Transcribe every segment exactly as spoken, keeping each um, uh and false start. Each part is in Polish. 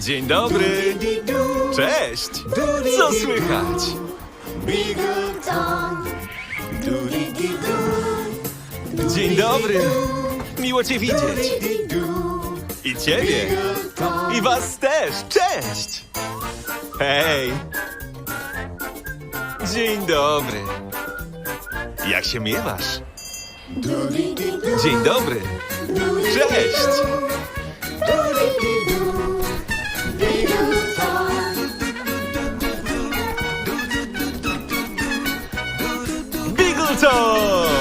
Dzień dobry. Cześć. Co słychać? Dzień dobry. Miło cię widzieć. I ciebie. I was też. Cześć. Hej. Dzień dobry. Jak się miewasz? Dzień dobry. Cześć. Bigleton!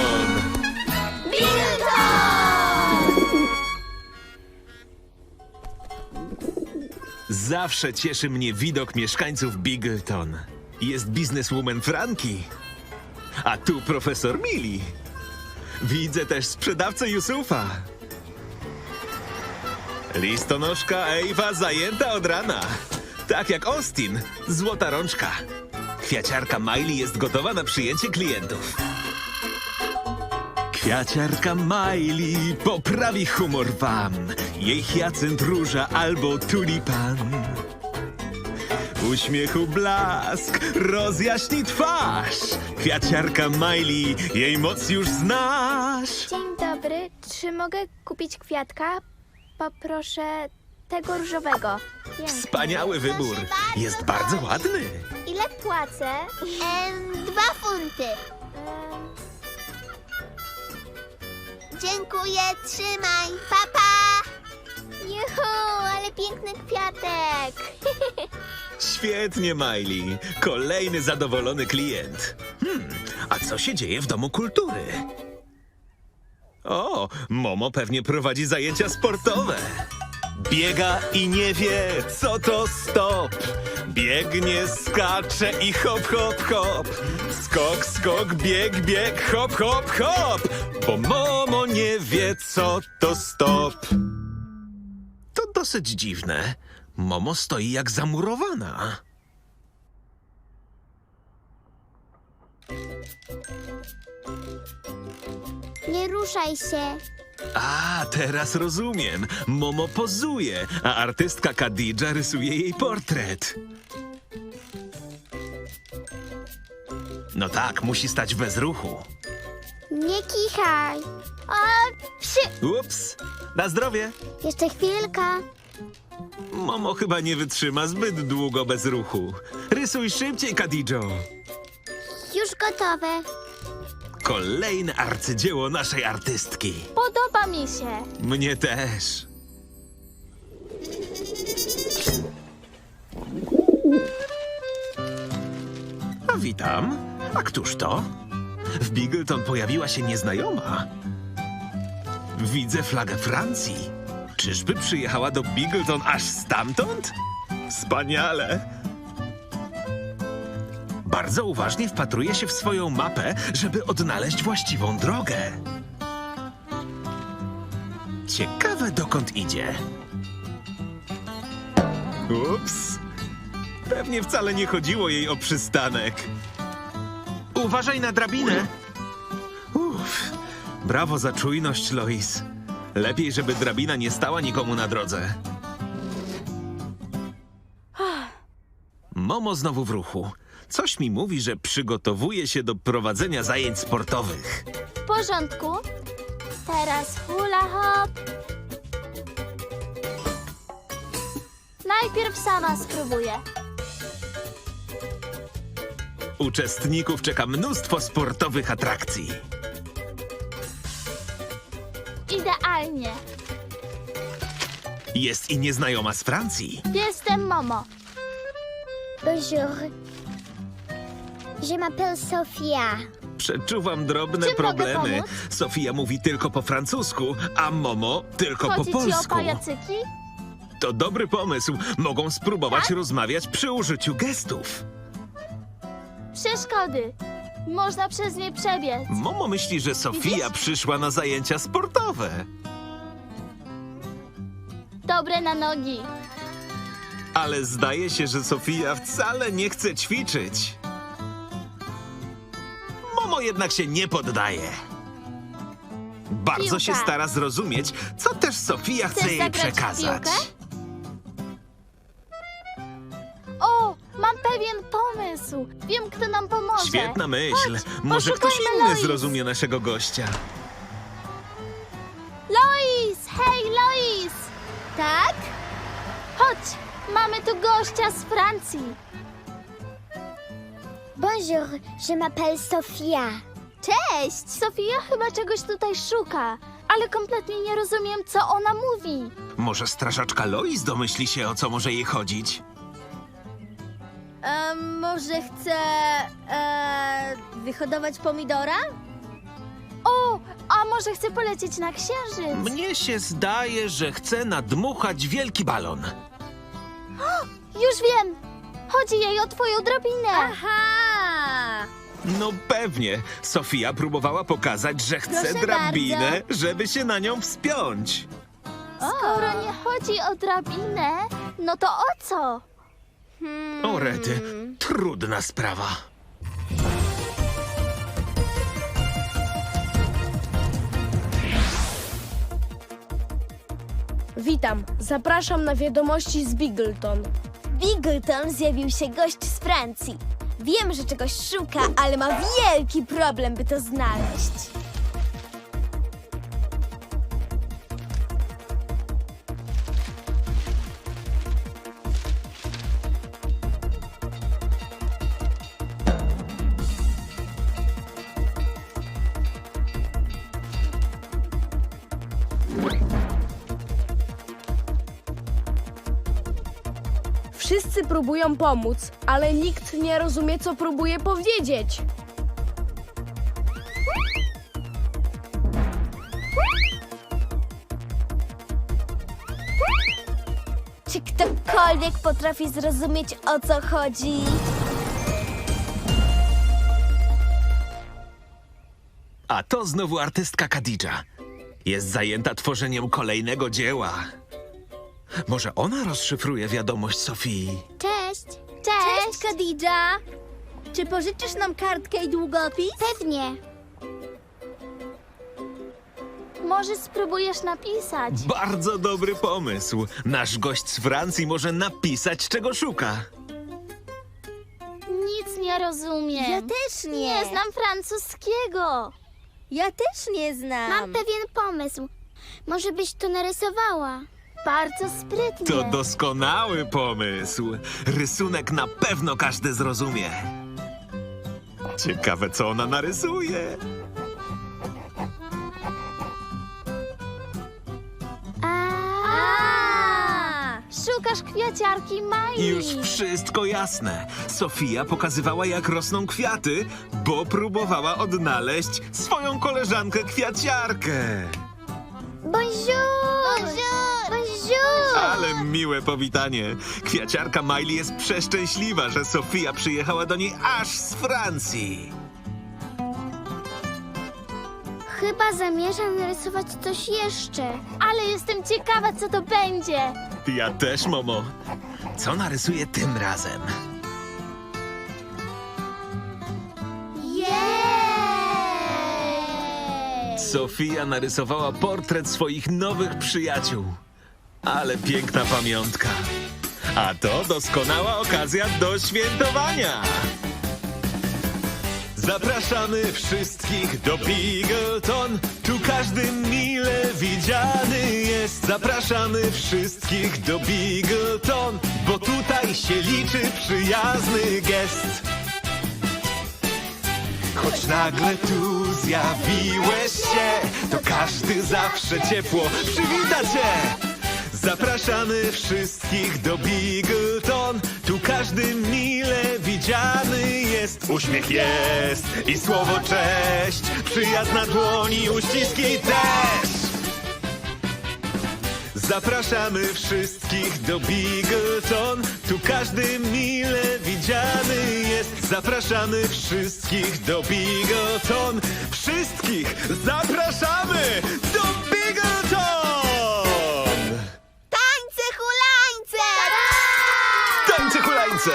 Zawsze cieszy mnie widok mieszkańców Bigleton. Jest bizneswoman Franki, a tu profesor Millie. Widzę też sprzedawcę Yusufa. Listonoszka Ewa zajęta od rana. Tak jak Austin, złota rączka. Kwiaciarka Miley jest gotowa na przyjęcie klientów. Kwiaciarka Miley poprawi humor wam. Jej hyacynt, róża albo tulipan. Uśmiechu blask rozjaśni twarz. Kwiaciarka Miley, jej moc już znasz. Dzień dobry, czy mogę kupić kwiatka? Poproszę tego różowego. Piękny. Wspaniały wybór. Jest bardzo ładny. Ile płacę? Em, dwa funty. Em, Dziękuję, trzymaj. Papa! Pa. Juhu, ale piękny kwiatek. Świetnie, Miley. Kolejny zadowolony klient. Hmm, a co się dzieje w Domu Kultury? O, Momo pewnie prowadzi zajęcia sportowe. Biega i nie wie, co to stop. Biegnie, skacze i hop, hop, hop. Skok, skok, bieg, bieg, hop, hop, hop. Bo Momo nie wie, co to stop. To dosyć dziwne. Momo stoi jak zamurowana. Nie ruszaj się. A, teraz rozumiem. Momo pozuje, a artystka Khadidża rysuje jej portret. No tak, musi stać bez ruchu. Nie kichaj. O, przy... Ups, na zdrowie. Jeszcze chwilka. Momo chyba nie wytrzyma zbyt długo bez ruchu. Rysuj szybciej, Khadidżo. Już gotowe. Kolejne arcydzieło naszej artystki. Podoba mi się. Mnie też. A witam. A któż to? W Bigleton pojawiła się nieznajoma. Widzę flagę Francji. Czyżby przyjechała do Bigleton aż stamtąd? Wspaniale. Bardzo uważnie wpatruje się w swoją mapę, żeby odnaleźć właściwą drogę. Ciekawe, dokąd idzie. Ups. Pewnie wcale nie chodziło jej o przystanek. Uważaj na drabinę. Uff. Brawo za czujność, Lois. Lepiej, żeby drabina nie stała nikomu na drodze. Momo znowu w ruchu. Coś mi mówi, że przygotowuje się do prowadzenia zajęć sportowych. W porządku. Teraz hula hop. Najpierw sama spróbuję. Uczestników czeka mnóstwo sportowych atrakcji. Idealnie. Jest i nieznajoma z Francji. Jestem Momo. Bonjour. Je m'appelle Sofia. Przeczuwam drobne Czym mogę problemy. pomóc? Sofia mówi tylko po francusku, a Momo tylko Chodzi po ci o polsku. pajacyki? To dobry pomysł. Mogą spróbować Tak? rozmawiać przy użyciu gestów. Przeszkody. Można przez nie przebiec. Momo myśli, że Sofia Widzisz? przyszła na zajęcia sportowe. Dobre na nogi. Ale zdaje się, że Sofia wcale nie chce ćwiczyć. Momo jednak się nie poddaje. Bardzo Piłka. się stara zrozumieć, co też Sofia chce Chcesz jej zagrać w przekazać. piłkę? Mam pewien pomysł. Wiem, kto nam pomoże. Świetna myśl. Chodź, Może ktoś poszukajmy inny Lois. zrozumie naszego gościa. Lois! Hej, Lois! Tak? Chodź, mamy tu gościa z Francji. Bonjour, je m'appelle Sofia. Cześć! Sofia chyba czegoś tutaj szuka, ale kompletnie nie rozumiem, co ona mówi. Może strażaczka Lois domyśli się, o co może jej chodzić? A może chce e, wyhodować pomidora? O, a może chce polecieć na księżyc? Mnie się zdaje, że chce nadmuchać wielki balon. Już wiem! Chodzi jej o twoją drabinę. Aha! No pewnie. Sofia próbowała pokazać, że chce Proszę drabinę, bardzo. żeby się na nią wspiąć. Skoro nie chodzi o drabinę, no to o co? Hmm. O rety, trudna sprawa. Witam, zapraszam na wiadomości z Bigleton. Bigleton zjawił się gość z Francji. Wiem, że czegoś szuka, ale ma wielki problem, by to znaleźć. Wszyscy próbują pomóc, ale nikt nie rozumie, co próbuje powiedzieć. Czy ktokolwiek potrafi zrozumieć, o co chodzi? A to znowu artystka Khadidża. Jest zajęta tworzeniem kolejnego dzieła. Może ona rozszyfruje wiadomość Sofii? Cześć. Cześć, Khadidża! Czy pożyczysz nam kartkę i długopis? Pewnie. Może spróbujesz napisać? Bardzo dobry pomysł. Nasz gość z Francji może napisać, czego szuka. Nic nie rozumiem. Ja też nie. Nie znam francuskiego. Ja też nie znam. Mam pewien pomysł. Może byś to narysowała? Bardzo sprytnie. To doskonały pomysł. Rysunek na pewno każdy zrozumie. Ciekawe, co ona narysuje. A, A! Szukasz kwiaciarki Miley. Już wszystko jasne. Sofia pokazywała, jak rosną kwiaty, bo próbowała odnaleźć swoją koleżankę kwiaciarkę. bonjour. Bonjour. Bonjour. Ale miłe powitanie. Kwiaciarka Miley jest przeszczęśliwa, że Sofia przyjechała do niej aż z Francji. Chyba zamierzam narysować coś jeszcze. Ale jestem ciekawa, co to będzie. Ja też, Momo. Co narysuje tym razem? Jej! Sofia narysowała portret swoich nowych przyjaciół. Ale piękna pamiątka. A to doskonała okazja do świętowania. Zapraszamy wszystkich do Bigleton. Tu każdy mile widziany jest. Zapraszamy wszystkich do Bigleton, bo tutaj się liczy przyjazny gest. Choć nagle tu zjawiłeś się, to każdy zawsze ciepło przywita cię. Zapraszamy wszystkich do Bigleton. Tu każdy mile widziany jest. Uśmiech jest i słowo cześć. Przyjazd na dłoni, uściski też. Zapraszamy wszystkich do Bigleton. Tu każdy mile widziany jest. Zapraszamy wszystkich do Bigleton. Wszystkich zapraszamy do Bigleton! Tańce, hulańce! Tańce hulańce!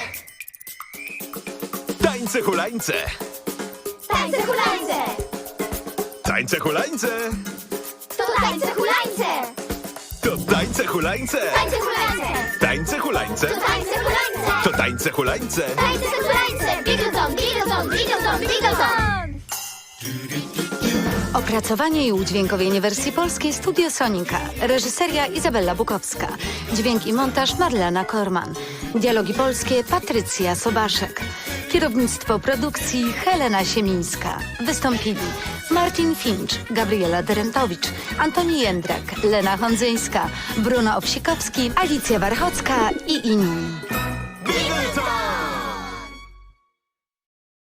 Tańce hulańce! Tańce hulańce! Tańce hulańce! To tańce hulańce! To tańce hulańce! Tańce hulańce! hulańce! Tańce hulańce. Tańce hulańce! To tańce hulańce. Tańce hulańce! Bigleton, bigleton, bigleton, bigleton! Opracowanie i udźwiękowienie wersji polskiej Studio Sonika. Reżyseria Izabela Bukowska. Dźwięk i montaż Marlena Korman. Dialogi polskie Patrycja Sobaszek. Kierownictwo produkcji Helena Siemińska. Wystąpili Martin Finch, Gabriela Derentowicz, Antoni Jędrak, Lena Hondzyńska, Bruno Obsikowski, Alicja Warchocka i inni. Bigleton!